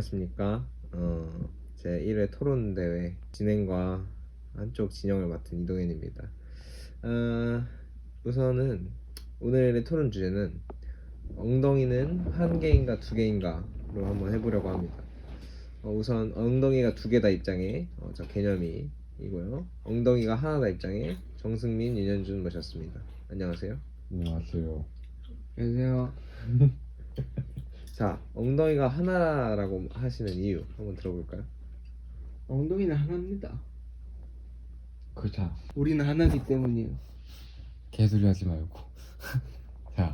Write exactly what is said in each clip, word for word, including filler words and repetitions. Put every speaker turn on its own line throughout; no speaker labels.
안녕하십니까. 어, 제일 회 토론 대회 진행과 한쪽 진영을 맡은 이동현입니다. 어, 우선은 오늘의 토론 주제는 엉덩이는 한 개인가 두 개인가로 한번 해보려고 합니다. 어, 우선 엉덩이가 두 개다 입장에 어, 저 개념이 이고요. 엉덩이가 하나다 입장에 정승민, 윤현준 모셨습니다. 안녕하세요.
안녕하세요.
안녕하세요.
자, 엉덩이가 하나라고 하시는 이유 한번 들어볼까요?
엉덩이는 하나입니다.
그자
우리는 하나이기 때문이에요.
개소리 하지 말고. 자,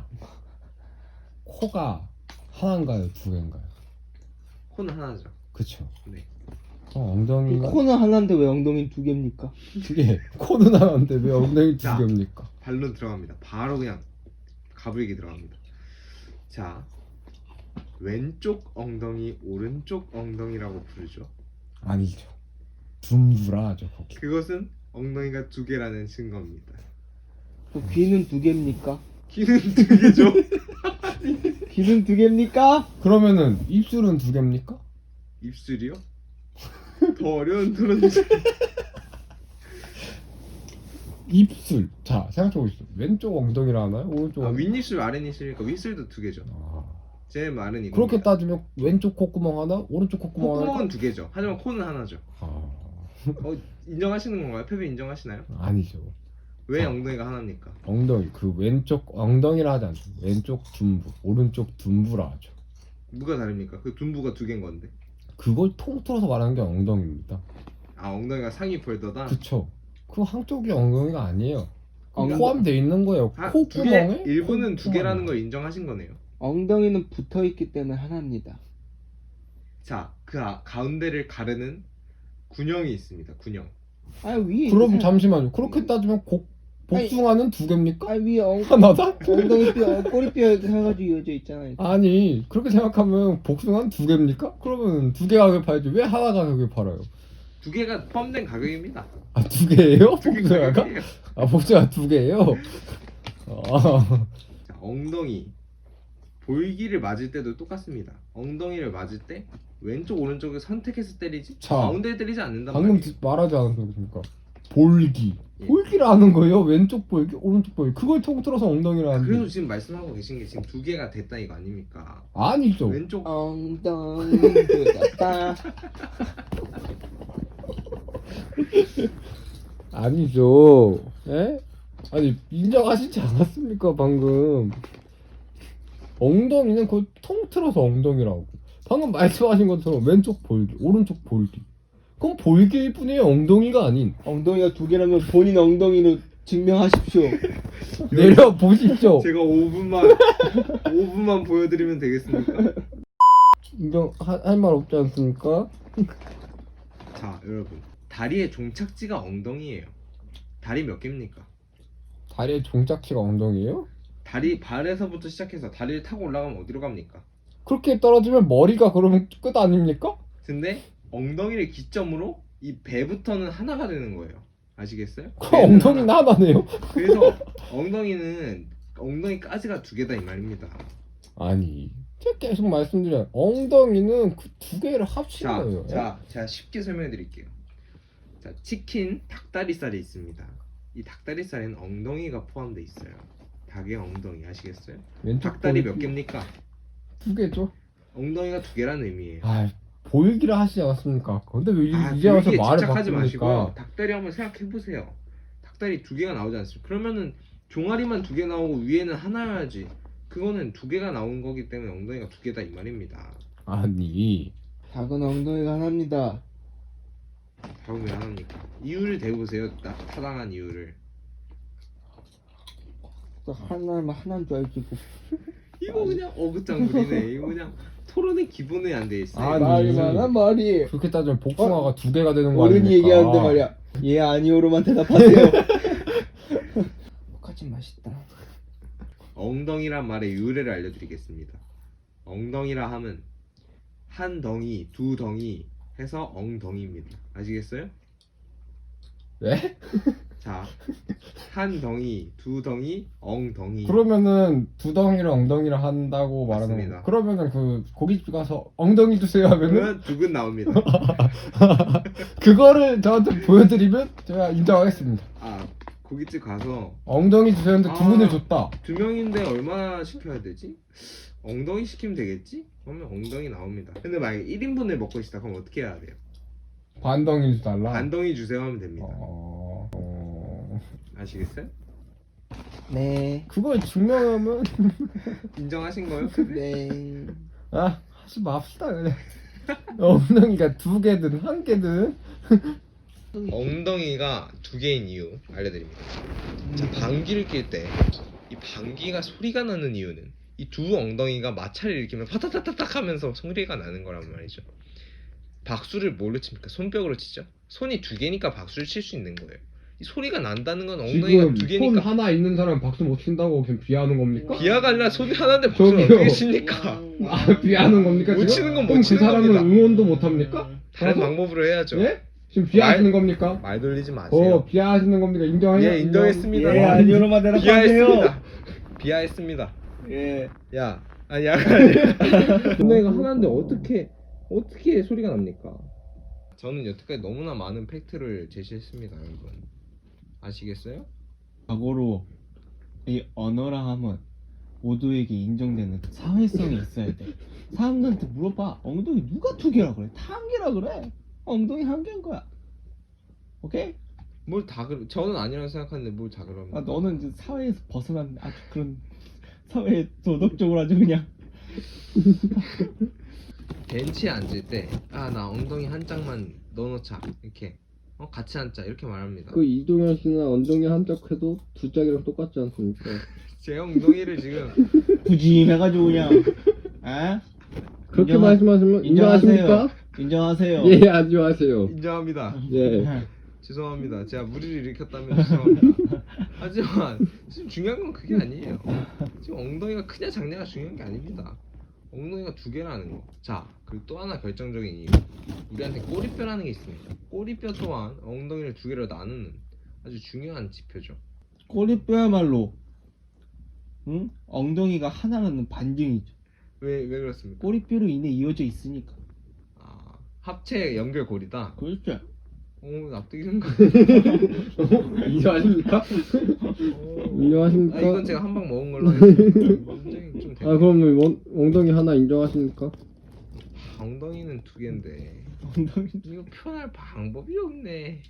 코가 하나인가요, 두 개인가요?
코는 하나죠.
그쵸.
네.
어, 엉덩이가
코는 하나인데 왜 엉덩이는 두 개입니까?
두 개. 코는 하나인데 왜 엉덩이 두
자.
개입니까?
반론 들어갑니다. 바로 그냥 가불기 들어갑니다. 자, 왼쪽 엉덩이, 오른쪽 엉덩이라고 부르죠.
아니죠. 둠브라 하죠 거기.
그것은 엉덩이가 두 개라는 증거입니다.
그 귀는 두 개입니까?
귀는 두 개죠.
귀는 두 개입니까?
그러면은 입술은 두 개입니까?
입술이요? 더 어려운 토론 주제.
입술. 자, 생각해보시죠. 왼쪽 엉덩이라 하나요? 오른쪽
아,
엉덩이?
윗입술, 아랫입술이니까 윗술도 두 개죠.
아,
제 말은 이거.
그렇게 따지면 왼쪽 콧구멍 하나, 오른쪽 콧구멍 하나.
콧구멍은 두 개죠. 하지만 코는 하나죠.
아,
어, 인정하시는 건가요? 패배 인정하시나요?
아니죠.
왜
아.
엉덩이가 하나입니까?
엉덩이 그 왼쪽 엉덩이라 하지 않죠. 왼쪽 둔부, 오른쪽 둔부라 하죠.
뭐가 다릅니까? 그 둔부가 두 개인 건데.
그걸 통틀어서 말하는 게 엉덩이입니다.
아, 엉덩이가 상위 폴더다.
그쵸? 그 한쪽이 엉덩이가 아니에요.
엉덩-
포함되어 있는 거예요.
아, 두 개,
콧구멍에
일부는 두 개라는
콧구멍에.
걸 인정하신 거네요.
엉덩이는 붙어 있기 때문에 하나입니다.
자, 그 아, 가운데를 가르는 군형이 있습니다. 군형.
아 위에
그럼
있는
잠시만요. 그렇게 따지면 곡, 복숭아는 두 개입니까?
아 위에 엉,
하나다?
엉덩이 뼈, 꼬리뼈 해가지고 이어져 있잖아요.
아니 그렇게 생각하면 복숭아는 두 개입니까? 그러면 두 개 가격에 팔지 왜 하나 가격에 팔아요?
두 개가 포함된 가격입니다.
아 두 개예요?
두 개
복숭아가?
가격이에요.
아 복숭아 두 개예요? 아,
자, 엉덩이 볼기를 맞을 때도 똑같습니다. 엉덩이를 맞을 때 왼쪽 오른쪽을 선택해서 때리지
자,
가운데를 때리지 않는단
방금
말이에요.
디- 말하지 않았습니까? 볼기.
예.
볼기라는 거예요. 왼쪽 볼기, 오른쪽 볼기. 그걸 통틀어서 엉덩이라는
그래서
게.
지금 말씀하고 계신 게 지금 두 개가 됐다 이거 아닙니까?
아니죠.
왼쪽
엉덩이 뜯었다.
아니죠. 예? 아니 인정하시지 않았습니까 방금? 엉덩이는 그걸 통틀어서 엉덩이라고. 방금 말씀하신 것처럼 왼쪽 볼기, 오른쪽 볼기. 그럼 볼기일 뿐이에요. 엉덩이가 아닌.
엉덩이가 두 개라면 본인 엉덩이로 증명하십시오.
내려 보십시오.
제가 오 분만 오 분만 보여드리면 되겠습니까?
인정 할 말 없지 않습니까?
자, 여러분, 다리의 종착지가 엉덩이에요. 다리 몇 개입니까?
다리의 종착지가 엉덩이에요?
다리 발에서부터 시작해서 다리를 타고 올라가면 어디로 갑니까?
그렇게 떨어지면 머리가 그러면 끝 아닙니까?
근데 엉덩이를 기점으로 이 배부터는 하나가 되는 거예요. 아시겠어요?
그
배는
엉덩이는
하나.
하나네요.
그래서 엉덩이는 엉덩이까지가 두 개다 이 말입니다.
아니 제가 계속 말씀드려요. 엉덩이는 그 두 개를 합친
자,
거예요.
자, 제가 쉽게 설명해 드릴게요. 자, 치킨 닭다리살이 있습니다. 이 닭다리살에는 엉덩이가 포함되어 있어요. 닭의 엉덩이 아시겠어요?
왼쪽
닭다리
볼기
몇 개입니까?
두 개죠.
엉덩이가 두 개라는 의미예요.
아 보이기라 하시지 않았습니까? 근데 왜
아,
이제 와서
불기에
말을
집착하지 마시고
바꾸니까?
닭다리 한번 생각해 보세요. 닭다리 두 개가 나오지 않습니까? 그러면은 종아리만 두 개 나오고 위에는 하나여야지. 그거는 두 개가 나온 거기 때문에 엉덩이가 두 개다 이 말입니다.
아니
작은 엉덩이가 하나입니다.
다음 왜 하나입니까? 이유를 대보세요. 딱 타당한 이유를.
또 하나면 하나인 줄 알지. 뭐.
이거 그냥 어긋장 부리네. 이거 그냥 토론의 기본이 안 돼 있어요.
아니.
말이 많아 말이.
그렇게 따지면 복숭아가 두 개가 되는 거
어른이
아닙니까?
얘기하는데 말이야. 예 아니오로만 대답하세요. 똑같이 맛있다.
엉덩이란 말의 유래를 알려드리겠습니다. 엉덩이라 함은 한 덩이, 두 덩이 해서 엉덩이입니다. 아시겠어요?
왜?
자, 한 덩이, 두 덩이, 엉덩이.
그러면은 두 덩이를 엉덩이를 한다고 말하는
맞습니다.
거. 그러면은 그 고깃집 가서 엉덩이 주세요 하면은
그러면 두근 나옵니다.
그거를 저한테 보여드리면 제가 인정하겠습니다.
아, 고깃집 가서
엉덩이 주세요 했는데 두 분을
아.
줬다.
두 명인데 얼마나 시켜야 되지? 엉덩이 시키면 되겠지? 그러면 엉덩이 나옵니다. 근데 만약에 일 인분을 먹고 싶다 그럼 어떻게 해야 돼요?
반 덩이 달라.
반 덩이 주세요 하면 됩니다.
어... 어...
아시겠어요?
네.
그걸 증명하면
인정하신 거요?
네.
아 하지 맙시다 그냥. 엉덩이가 두 개든 한 개든
엉덩이가 두 개인 이유 알려드립니다. 자, 방귀를 낄 때 이 방귀가 소리가 나는 이유는 이 두 엉덩이가 마찰을 일으키면 파타타타탁 하면서 소리가 나는 거란 말이죠. 박수를 뭘로 칩니까? 손뼉으로 치죠. 손이 두 개니까 박수를 칠 수 있는 거예요. 이 소리가 난다는 건 엉덩이가
지금
두
손
개니까.
하나 있는 사람 박수 못 친다고 지금 비하하는 겁니까?
비하가 아니라 손이 하나인데 박수를
저기요.
어떻게 칩니까?
아 비하는 겁니까
못
지금?
치는 건못
그럼
치는
그 사람은
겁니다.
응원도 못 합니까?
다른
가서?
방법으로 해야죠.
예? 지금 비하하시는
말-
겁니까?
말 돌리지 마세요.
어 비하하시는 겁니까? 인정해요?
예, 인정했습니다.
예, 아니요로만 대답하세요.
비하했습니다. 비하했습니다.
예.
야, 아니 약간 엉덩이가 하나인데 어떻게 어떻게 소리가 납니까? 저는 여태까지 너무나 많은 팩트를 제시했습니다, 여러분. 아시겠어요?
과거로 이 언어라 하면 모두에게 인정되는 사회성이 있어야 돼. 사람들한테 물어봐. 엉덩이 누가 두 개라 그래? 다 한 개라 그래. 엉덩이 한 개인 거야. 오케이?
뭘 다 그러? 저는 아니라고 생각하는데 뭘 다 그럽니까?
아 너는 이제 사회에서 벗어난 아주 그런 사회 도덕적으로 아주 그냥
벤치에 앉을 때 아 나 엉덩이 한 짝만 넣어놓자 이렇게 어 같이 앉자 이렇게 말합니다.
그 이동현 씨는 엉덩이 한 짝 해도 두 짝이랑 똑같지 않습니까?
제 엉덩이를 지금
부짐해가지고 그냥 아?
그렇게
인정하-
말씀하시면 인정하십니까?
인정하세요.
예 아주 하세요.
인정합니다.
예.
죄송합니다. 제가 무리를 일으켰다면 죄송합니다. 하지만 지금 중요한 건 그게 아니에요. 지금 엉덩이가 크냐 작냐가 중요한 게 아닙니다. 엉덩이가 두 개라는 거. 자, 그리고 또 하나 결정적인 이유. 우리한테 꼬리뼈라는 게 있습니다. 꼬리뼈 또한 엉덩이를 두 개로 나누는 아주 중요한 지표죠.
꼬리뼈야말로 응? 엉덩이가 하나라는 반증이죠.
왜, 왜 그렇습니까?
꼬리뼈로 인해 이어져 있으니까.
아, 합체 연결고리다.
그렇죠.
오, 납득이 좀 가.
인정하십니까?
아,
인정하십니까?
이건 제가 한 방 먹은 걸로 하겠습니다. 인정이 좀 되네.
아 그럼 원, 엉덩이 하나 인정하십니까?
엉덩이는 두 개인데
엉덩이
이거 표현할 방법이 없네.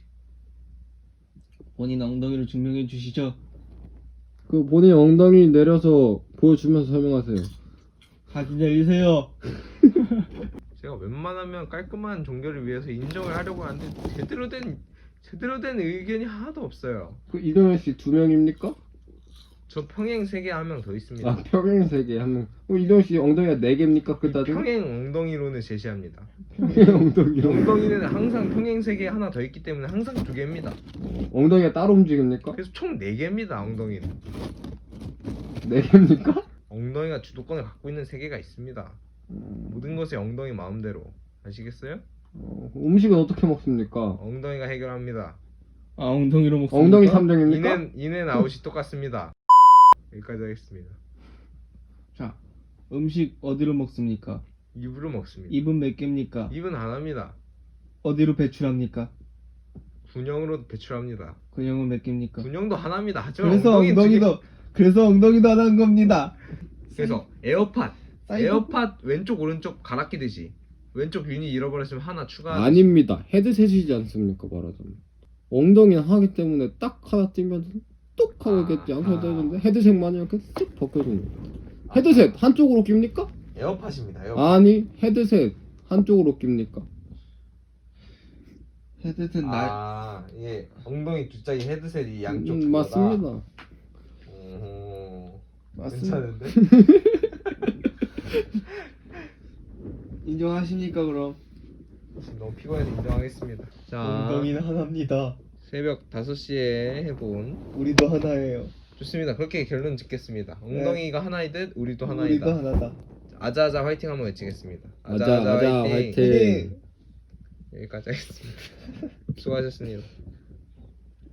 본인 엉덩이를 증명해 주시죠.
그 본인 엉덩이 내려서 보여주면서 설명하세요.
사진 내리세요.
제가 웬만하면 깔끔한 종교를 위해서 인정을 하려고 하는데 제대로 된 제대로 된 의견이 하나도 없어요.
그 이동현 씨 두 명입니까?
저 평행 세계 한 명 더 있습니다.
아 평행 세계 한 명. 그럼 이동현 씨 엉덩이가 네 개입니까? 그 따지면?
평행 엉덩이론을 제시합니다.
평행 엉덩이.
엉덩이는 항상 평행 세계에 하나 더 있기 때문에 항상 두 개입니다.
엉덩이가 따로 움직입니까?
그래서 총 네 개입니다. 엉덩이는.
네 개입니까?
엉덩이가 주도권을 갖고 있는 세계가 있습니다. 모든 것이 엉덩이 마음대로. 아시겠어요?
어, 음식은 어떻게 먹습니까?
엉덩이가 해결합니다.
아 엉덩이로 먹습니까?
엉덩이 삼 종입니까?
인앤 인앤 아웃이 똑같습니다. 여기까지 하겠습니다.
자 음식 어디로 먹습니까?
입으로 먹습니다.
입은 몇 개입니까?
입은 안 합니다.
어디로 배출합니까?
군형으로 배출합니다.
근형은 몇 개입니까?
군형도 하나입니다. 하지만
그래서
엉덩이는 두 개-
엉덩이도 그래서 엉덩이도 하나인 겁니다.
그래서 에어팟
사이즈?
에어팟 왼쪽 오른쪽 갈아 끼듯이 왼쪽 유닛 잃어버렸으면 하나 추가.
아닙니다. 헤드셋이지 않습니까 말하자면. 엉덩이는 하기 때문에 딱 하나 띄면 뚝 하고 이렇게
아하.
양손 떠주는데 헤드셋만 이렇게 쓱 벗겨주는 거예요. 헤드셋 한쪽으로 낍니까?
에어팟입니다. 에어팟.
아니 헤드셋 한쪽으로 낍니까?
헤드셋 날
아 이게 엉덩이 두 짝이 헤드셋이 양쪽
음,
두 개다.
맞습니다.
오,
맞습니다.
괜찮은데?
인정하십니까 그럼?
지금 너무 피곤해서 인정하겠습니다. 자,
엉덩이는 하나입니다.
새벽 다섯 시에 해본
우리도 하나예요.
좋습니다. 그렇게 결론 짓겠습니다. 엉덩이가 하나이듯 우리도 하나이다.
우리도 하나다.
아자아자 화이팅 한번 외치겠습니다.
아자 아자 화이팅.
여기까지 하겠습니다. 수고하셨습니다.